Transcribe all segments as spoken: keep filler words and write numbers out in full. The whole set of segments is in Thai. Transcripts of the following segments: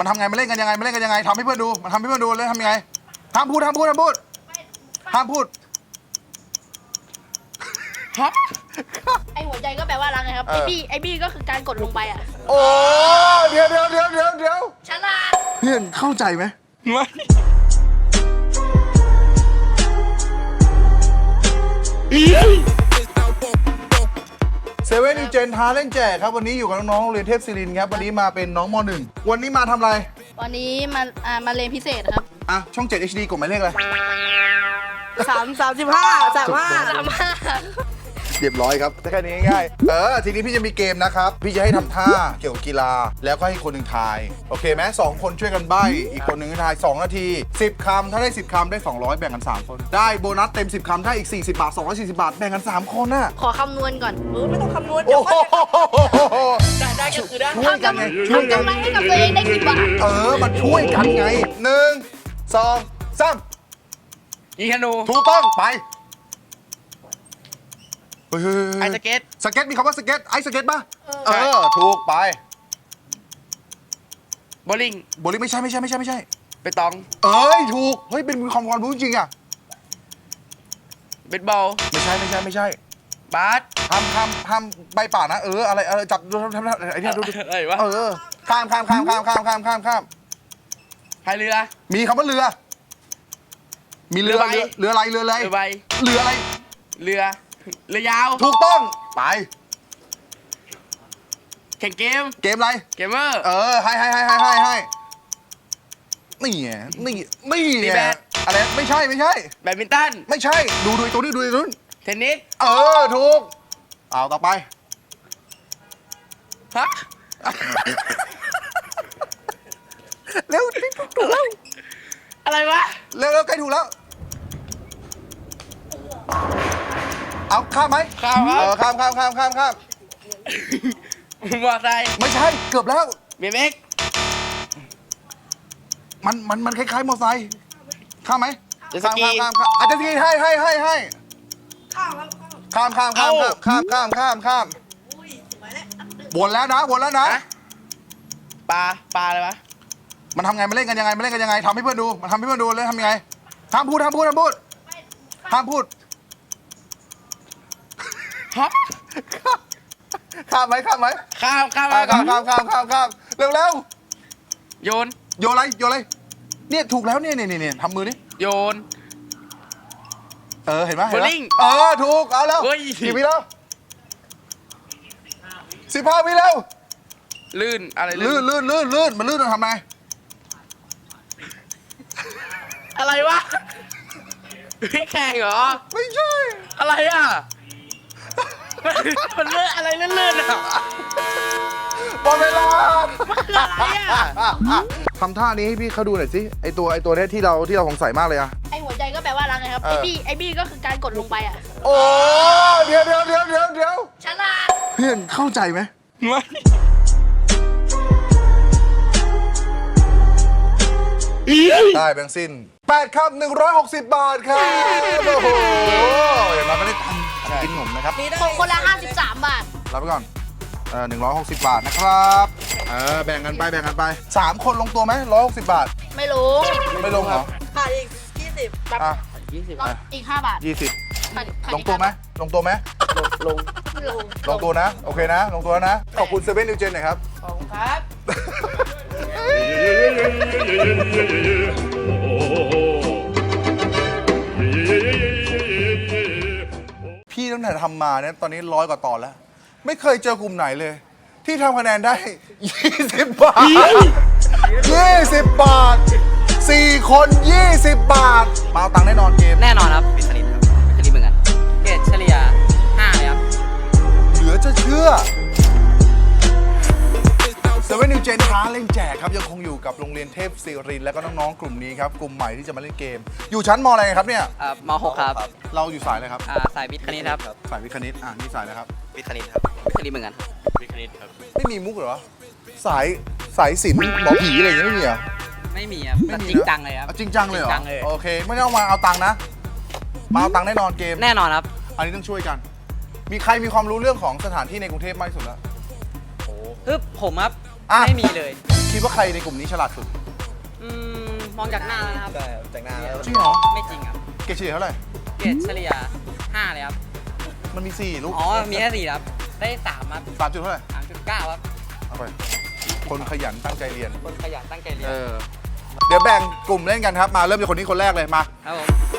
มันทำไงมันเล่นกันยังไงมันเล่นกันยังไงทำให้เพื่อนดูมันทำให้เพื่อนดูเลยทำยังไงห้ามพูดห้ามพูดห้ามพูดห้ามพูดฮะไอหัวใจก็แปลว่ารักไงครับไอบี้ไอบี้ก็คือการกดลงไปอ่ะโอ้เดี๋ยวเดี๋ยวเดี๋ยวเดี๋ยวเดี๋ยวฉลาดเพื่อนเข้าใจไหมไม่เซเว่นนิวเจนท้าเล่นแจกครับวันนี้อยู่กับน้องๆโรงเรียนเทพศิรินทร์ครับวันนี้มาเป็นน้องม .หนึ่ง วันนี้มาทำอะไรวันนี้มาอ่ามาเรียนพิเศษครับอ่ะช่องเจ็ด เอช ดี กดหมายเลขอะไรสามสามสิบห้าสามห้าสามห้าเรียบร้อยครับแค่นี้ง่ายๆเออทีนี้พี่จะมีเกมนะครับพี่จะให้ทำท่าเกี่ยวกับกีฬาแล้วก็ให้คนหนึ่งทายโอเคไหมสองคนช่วยกันใบ้อีกคนหนึ่งทายสองนาทีสิบคำถ้าได้สิบคำได้สองร้อยแบ่งกันสามคนได้โบนัสเต็มสิบคำถ้าอีกสี่สิบบาทสองร้อยสี่สิบบาทแบ่งกันสามคนน่ะขอคำนวณก่อนเออไม่ต้องคำนวณโอ้โหได้ได้ก็คือได้ช่วยกันไงช่วยกันให้กับตัวเองได้กี่บาทเออมันช่วยกันไงหนึ่งสองสามยิงธนูถูกต้องไปไอสเก็ตสเก็ตมีคำว่าสเก็ตไอสเก็ตป่ะเออถูกไปโบลิ่งโบลิ่งไม่ใช่ไม่ใช่ไม่ใช่ไม่ใช่เปตองเอ้ยถูกเฮ้ยเป็นความความรู้จริงอ่ะเบสบอลไม่ใช่ไม่ใช่ไม่ใช่บาสทำทำทำใบป่านะเอออะไรอะไรจับดูทำทำไอ้นี่ดูดูอะไรวะเออข้ามข้ามข้ามข้ามข้ามข้ามข้ามข้ามพายเรือมีคำว่าเรือมีเรือเรืออะไรเรืออะไรเรือใบเรืออะไรเรือเรือยาวถูกต้องไปแข่งเกมเกมอะไรเกมเมอร์เออให้ให้ให้ให้ให้ให้นี่ไงนี่นี่ไงอะไรไม่ใช่ไม่ใช่แบดมินตันไม่ใช่ดูดูตัวนี้ดูตัวนู้นเทนนิสเออถูกเอาต่อไปฮะเร็วถูกแล้วอะไรวะเร็วเร็วใกล้ถูกแล้วเอาข้ามไหมข้ามครับเออข้ามข้ามข้ามข้ามข้ามมอไซค์ไม่ใช่เกือบแล้วเบเบ็กมันมันมันคล้ายๆมอไซค์ข้ามไหมข้ามข้ามข้ามข้ามอาจจะทีให้ให้ให้ให้ข้ามข้ามข้ามข้ามข้ามข้ามข้ามวนแล้วนะวนแล้วนะปลาปลาอะไรวะมันทำไงมันเล่นกันยังไงมันเล่นกันยังไงทำให้เพื่อนดูมันทำให้เพื่อนดูเลยทำยังไงห้ามพูดห้ามพูดห้ามพูดห้ามพูดฮะข้ามไหมข้ามไหมข้ามข้ามข้ามข้ามข้ามข้ามข้ามเร็วเร็วโยนโยนอะไรโยนอะไรเนี่ยถูกแล้วเนี่ยเนี่ยเนี่ยทำมือดิโยนเออเห็นไหมโบลิ่งเออถูกเอาแล้วกี่วิแล้วสิบห้าวิแล้วลื่นอะไรลื่นลื่นลื่นลื่นมันลื่นมันทำไงอะไรวะพี่แข่งเหรอไม่ใช่อะไรอ่ะมันเลื่อนอะไรเลื่อนๆอ่ะหมดเวลาอะไรอ่ะทำท่านี้ให้พี่เขาดูหน่อยสิไอตัวไอตัวนี้ที่เราที่เราสงสัยมากเลยอะไอหัวใจก็แปลว่ารักไงครับไอบี้ไอบี้ก็คือการกดลงไปอ่ะโอ้เดี๋ยวเดี๋ยวเดี๋ยวเดี๋ยวเดี๋ยวฉลาดเพื่อนเข้าใจไหมไม่ได้แบงค์สิ้นแปดคำหนึ่งร้อยหกสิบบาทครับโอ้โหอย่างน้อยไม่ได้ทำกินขนมนะครับของคนละห้าสิบสามบาทรับไปก่อนเออหนึ่งร้อยหกสิบบาทนะครับเออแบ่งกันไปแบ่งกันไปสามคนลงตัวไหมร้อยหกสิบบาทไม่ลงไม่ลงเหรอขาดอีกยี่สิบอ่ะยี่สิบอีกห้าบาทยี่สิบลงตัวไหมลงตัวไหมลงลงลงตัวนะโอเคนะลงตัวนะขอบคุณเซเว่นนิวเจนหน่อยครับขอบคุณครับพี่ตั้งแต่ทำมาเนี่ยตอนนี้ร้อยกว่าตอนแล้วไม่เคยเจอกลุ่มไหนเลยที่ทำคะแนนได้ยี่สิบบาทยี่สิบบาทสี่คนยี่สิบบาทมาเอาตังค์แน่นอนเกมแน่นอนครับวิทย์คณิตครับวิทย์คณิตเหมือนกันเกรดเฉลี่ยห้าเลยครับเหลือจะเชื่อเซเว่นนิวเจนท้าเล่นแจกครับยังคงอยู่กับโรงเรียนเทพศิรินทร์และก็น้องๆกลุ่มนี้ครับกลุ่มใหม่ที่จะมาเล่นเกมอยู่ชั้นมอะไรครับเนี่ยอ่ามหกครับเราอยู่สายอะไรครับอ่าสายวิทย์คณิตครับสายวิทย์คณิตอ่านี่สายอะไรครับวิทย์คณิตครับวิทย์คณิตเหมือนกันวิทย์คณิตครับไม่มีมุกเหรอสายสายศิลป์หมอผีอะไรอย่างเงี้ยไม่มีเหรอไม่มีครับจริงจังเลยครับจริงจังเลยเหรอโอเคไม่ต้องมาเอาตังค์นะมาเอาตังค์แน่นอนเกมแน่นอนครับอันนี้ต้องช่วยกันมีใครมีความรู้เรื่องของสถานที่ในกรุงเทพมากที่สุดแล้วโอ้คือผมครับไม่มีเลยคิดว่าใครในกลุ่มนี้ฉลาดสุดอืมมองจากหน้าแล้วนะครับใช่แต่งหน้าแล้วจริงเหรอไม่จริงครับเกรดเฉลี่ยเท่าไหร่เกรดเฉลี่ยห้าเลยครับมันมีสี่ลูกอ๋อ มีแค่สี่ครับ ได้สามครับสามจุดเท่าไหร่สามจุดเก้าครับเอาไปคนขยันตั้งใจเรียนคนขยันตั้งใจเรียนเออเดี๋ยวแบ่งกลุ่มเล่นกันครับมาเริ่มจากคนนี้คนแรกเลยมาครับผม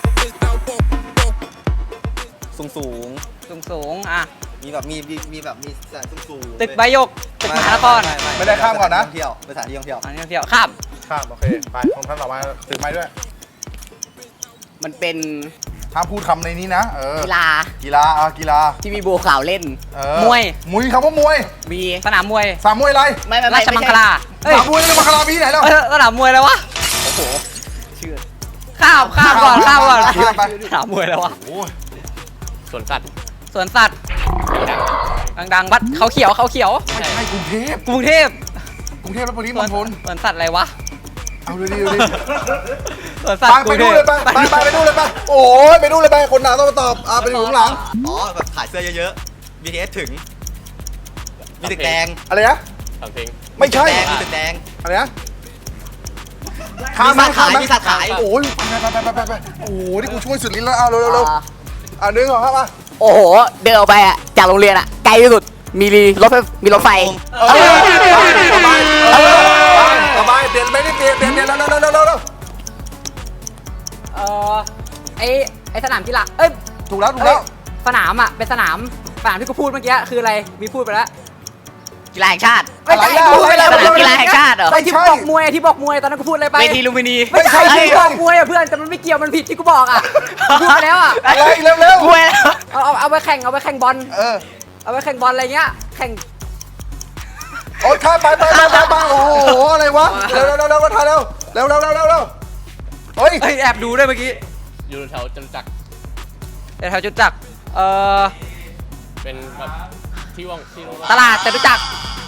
สูงสูงสูงสูงๆอ่ะมีแบบมีมีมีแบบมีสถานสูงสูงตึกใบหยก ตึกมหานครไม่ได้ข้ามก่อนนะเที่ยวเป็นสถานที่ท่องเที่ยวอันนี้เที่ยวข้ามข้ามโอเคไปคนท่านต่อมาถือไม้ด้วยมันเป็นห้ามพูดคำในนี้นะเออกีฬากีฬาอ่ะกีฬาที่มีบัวขาวเล่นเออมวยมวยคำว่ามวยมีสนามมวยสามมวยอะไรไม่ไม่ราไม่ชมังคลาเอ้ยสามมวยในมังคลามีที่ไหนแล้วเอ้ยสนามมวยอะไรวะโอ้โหชื่อ ข้ามข้ามก่อนข้ามก่อนข้ามไปสนามมวยอะไรวะโอ้ยสวนสัตว์สวนสัตว์ ดังๆวัดเขาเขียวเขาเขียวไม่ใช่กรุงเทพกรุงเทพกรุงเทพและปริสมวนณฑลสวนสัตว์อะไรวะเอาดูดิดูดิสวนสัตไปว์กไปรุงเทดูพเลยไปไปไปไปดูเลยไปโอ้ยไปดูเลยไปคนหนาต้องมาตอบอ่ะไปดูข้างหลังอ๋อแบบขายเสื้อเยอะๆ บี ที เอส ถึง มีตึกแดงอะไรนะสามเพลงไม่ใช่แดงมีตึกแดงอะไรนะข้ามไหมมีสัตว์ข้ามไหมขายมีสัตว์ขายโอ้ยไปไปไปไปไปโอ้ยนี่กูช่วยสุดลิ้นแล้วเอาเร็วเร็วเร็วอ่ะนึงเหรอครับอ่ะโอ้โห เดินออกไปอ่ะ จากโรงเรียนอ่ะ ไกลที่สุด มีรถไฟมีรถไฟเออสบายเออสบายเปลี่ยนไปนี่เปลี่ยนเปลี่ยนเปลี่ยนเร็วเร็วเร็วเร็วเร็วเออไอไอสนามกีฬาเอ้ยถูกแล้วถูกแล้วสนามอ่ะเป็นสนามสนามที่กูพูดเมื่อกี้คืออะไรมีพูดไปแล้วกีฬาแห่งชาติไม่ใช่อะไรอ่ะพูดไปแล้วสนามกีฬาแห่งชาติเหรอไอที่บอกมวยที่บอกมวยตอนนั้นกูพูดอะไรไปเวทีลุมพินีไม่ใช่ที่บอกมวยอ่ะเพื่อนแต่มันไม่เกี่ยวมันผิดที่กูบอกอ่ะพูดไปแล้วอ่ะอะไรเร็วเร็วมวยแล้วเอาเอาเอาไปแข่งเอาไปแข่งบอลเออเอาไปแข่งบอลอะไรเงี้ยแข่งโอ๊ยข้ามไปไปไปไปไปโอ้โหอะไรวะเร็วเร็วเร็วเร็วถ่ายเร็วเร็วเร็วเร็วเร็วเร็วเฮ้ยเฮ้ยแอบดูด้วยเมื่อกี้อยู่แถวจตุจักรแต่แถวจุดจักรเอ่อเป็นแบบที่ว่างที่ว่างตลาดจตุจักร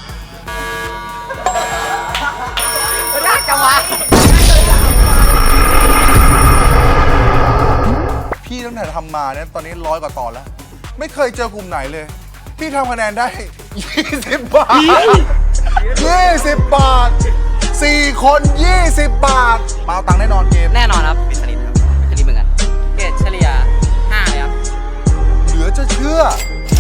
ยากจังวะพี่ตั้งแต่ทำมาเนี่ยตอนนี้ร้อยกว่าตอนแล้ว ไม่เคยเจอกลุ่มไหนเลย พี่ทำคะแนนได้ ยี่สิบบาท ยี่สิบบาท สี่คนยี่สิบบาท มาเอาตังค์แน่นอนเกมแน่นอนครับเป็นสนิทครับเป็นสนิทเหมือนกันเกรดเฉลี่ยห้าเลยครับเหลือจะเชื่อ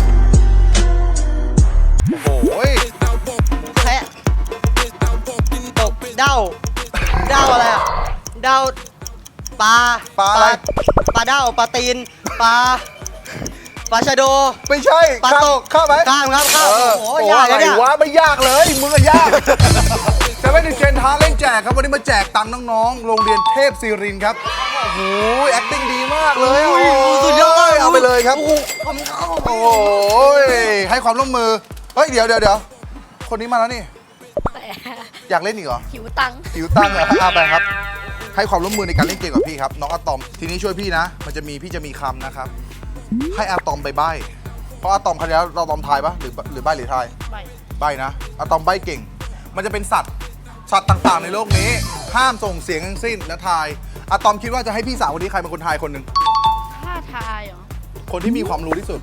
โอ้โหยแค่ตกเด้าเด้าอะไรอ่ะเด้าปลาปลาอะไรปลาเด้าปลาตีนปลาปลาชะโดไม่ใช่ปลาข้มตกข้ามไหมข้ามครับข้ามเออโอ้โหยากอะไรนะเนี่ยวะไม่ยากเลย มึงอะยาก จะไม่ถึงเจนท้าเล่นแจกครับ วันนี้มาแจกตังค์น้องๆ โรงเรียนเทพศิรินทร์ครับ โอ้โห acting ดีมากเลยโอ้โหสุดยอดเอาไปเลยครับโอ้โหขอบคุณครับโอ้โห ให้ความร่วมมือ เฮ้ย เดี๋ยวเดี๋ยวเดี๋ยวคนนี้มาแล้วนี่แต่อยากเล่นอีกเหรอหิวตังค์หิวตั้งเหรอเอาไปครับ ให้ความร่วมมือในการเล่นเกมกับพี่ครับ น้องอะตอม ทีนี้ช่วยพี่นะ มันจะมีพี่จะมีคำนะครับ ให้อะตอมไปใบ้ เพราะอะตอมครั้งที่แล้วเราตอมทายปะหรือหรือใบ้หรือทายไปใบ้นะอะตอมใบ้เก่ง มันจะเป็นสัตว์ สัตว์ต่างๆในโลกนี้ ห้ามส่งเสียงทั้งสิ้นและทายอะตอมคิดว่าจะให้พี่สาวคนนี้ใครเป็นคนทายคนหนึ่งถ้าทายเหรอคนที่มีความรู้ที่สุด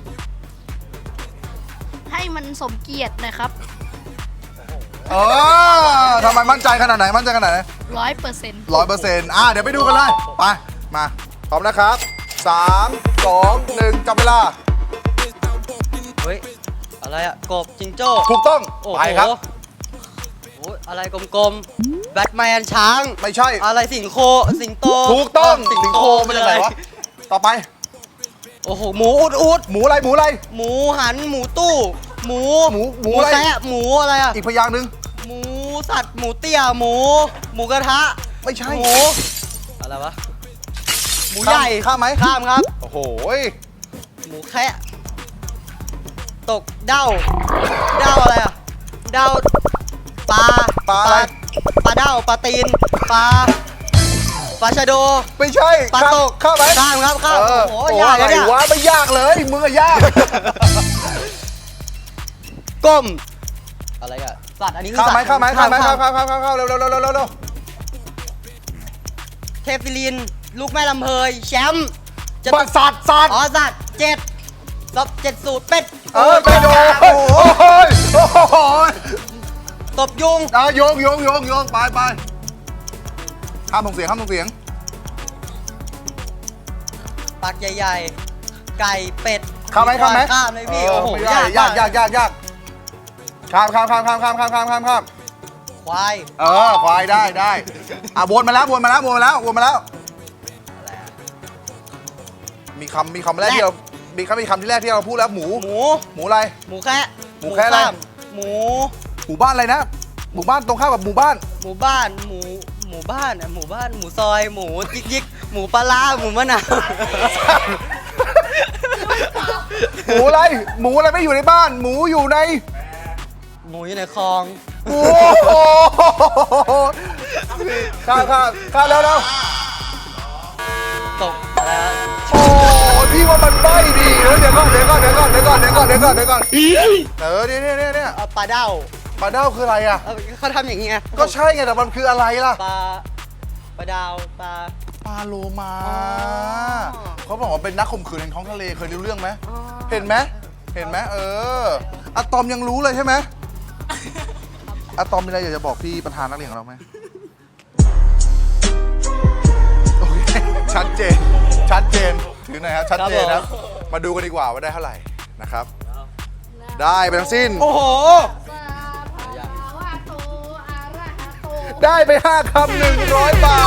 ให้มันสมเกียรติหนะครับเออทำไมมั่นใจขนาดไหน มั่นใจขนาดไหนร้อยเปอร์เซ็นต์ร้อยเปอร์เซ็นต์อ่ะเดี๋ยวไปดูกันเลย ไป มา พร้อมนะครับสามสองหนึ่งจับเวลาเฮ้ยอะไรอ่ะกบจิงโจ้ถูกต้องโอ้โหไปครับโอ้ยอะไรกลมๆแบทแมนช้างไม่ใช่อะไรสิงโคสิงโตถูกต้องเสิงโคมาจากไหนวะ ต่อไปโอ้โหหมูอุดอุดหมูอะไร หมูอะไรหมูหันหมูตู้ หมูหมูหมูอะไรแซะหมูอะไรอ่ะอีกพยางค์หนึ่งหมูสัตว์หมูเตี้ยหมู หมูกระทะไม่ใช่หมูอะไรวะหมูใหญ่ข้ามไหมข้ามครับโอ้โหหมูแคะตกเด้าเด้าอะไรอ่ะเด้าปลาปลาอะไรปลาเด้าปลาตีนปลาปลาชะโดไม่ใช่ปลาข้มตกข้ามไหมข้ามครับข้ามเออโอ้โหโอ้ยากอะไรนะเนี่ยวะไม่ยากเลย มึงอะยากก้มอะไรอ่ะสัตว์อันนี้คือข้ามไหมสัตว์ข้ามไหมข้ามไหมข้ามข้ามข้ามข้ามข้ามเร็วเร็วเร็วเร็วเร็วเร็วเทพฟิลิน ลูกแม่ลำเพยแชมป์จะบัตรสัตว์สัตว์อ๋อสัตว์เจ็ดลบเจ็ดสูตรเป็ดเออไปโดนโอ้โหโอ้โหตบยุงอ่ะโยงโยงโยงโยงไปไปห้ามส่งเสียงห้ามส่งเสียงปากใหญ่ๆ ไก่เป็ดข้ามไหมข้ามไหมข้ามเลยพี่เโอ้โหไม่ได้ยากยากยากยากข้ามข้ามข้ามข้ามข้ามข้ามข้ามข้ามข้ามควายเออควายได้ได้อ่ะวนมาแล้ววนมาแล้ววนมาแล้ววนมาแล้ว มีคำมีคำแรกที่เรา มีคำมีคำที่แรกที่เราพูดแล้วหมูหมูหมูอะไรหมูแคะหมูแคะอะไรข้ามหมูหมู่บ้านอะไรนะ หมู่บ้านตรงข้ามกับหมู่บ้านหมู่บ้าน หมู หมู่บ้านอะหมู่บ้าน หมูซอย หมูยิกยิกหมูปลาร้าหมูมะนาวหมูอะไร หมูอะไรไม่อยู่ในบ้าน หมูอยู่ในหมูอยู่ในคลองโอ้โหข้ามข้ามข้ามแล้วแล้วตกแล้วโอ้พี่ว่ามันใบ้ดีแล้วเดี๋ยวก่อนเดี๋ยวก่อนเดี๋ยวก่อนเดี๋ยวก่อนเดี๋ยวก่อนเดี๋ยวก่อนเดี๋ยวก่อนเออเนี่ยเนี่ยเนี่ยเนี่ยเอาปลาเด้าปลาเด้าคืออะไรอ่ะเอาเขาทำอย่างเงี้ยก็ใช่ไงแต่มันคืออะไรล่ะปลา ปลาดาว ปลาปลาโลมาอ๋อเขาบอกว่าเป็นนักข่มขืนแห่งท้องทะเลเคยรู้เรื่องไหมเห็นไหมเห็นไหมเอออะตอมยังรู้เลยใช่ไหมอะตอมมีอะไรอยากจะบอกพี่ประธานนักเรียนของเราไหมโอเคชัดเจนชัดเจนถือหน่อยครับชัดเจนนะมาดูกันดีกว่าว่าได้เท่าไหร่นะครับ ได้ไปทั้งสิ้นโอ้โหสาภาวะโตอะระหะโตได้ไปห้าคำหนึ่งร้อยบา